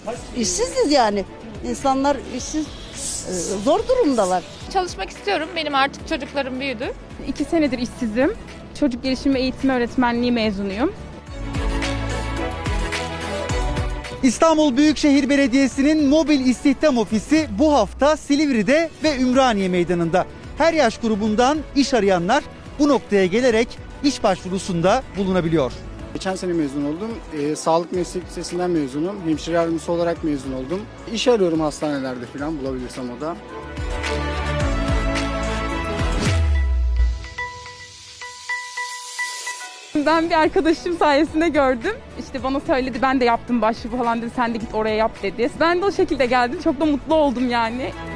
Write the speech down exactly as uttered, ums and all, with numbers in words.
İşsiziz yani. İnsanlar işsiz, e, zor durumdalar. Çalışmak istiyorum. Benim artık çocuklarım büyüdü. İki senedir işsizim. Çocuk gelişimi eğitimi öğretmenliği mezunuyum. İstanbul Büyükşehir Belediyesi'nin mobil istihdam ofisi bu hafta Silivri'de ve Ümraniye Meydanı'nda. Her yaş grubundan iş arayanlar bu noktaya gelerek iş başvurusunda bulunabiliyor. Geçen sene mezun oldum. E, sağlık meslek lisesinden mezunum. Hemşire yardımcısı olarak mezun oldum. İş arıyorum hastanelerde falan bulabilirsem o da. Ben bir arkadaşım sayesinde gördüm. İşte bana söyledi, ben de yaptım başvuru falan dedi. Sen de git oraya yap dedi. Ben de o şekilde geldim. Çok da mutlu oldum yani.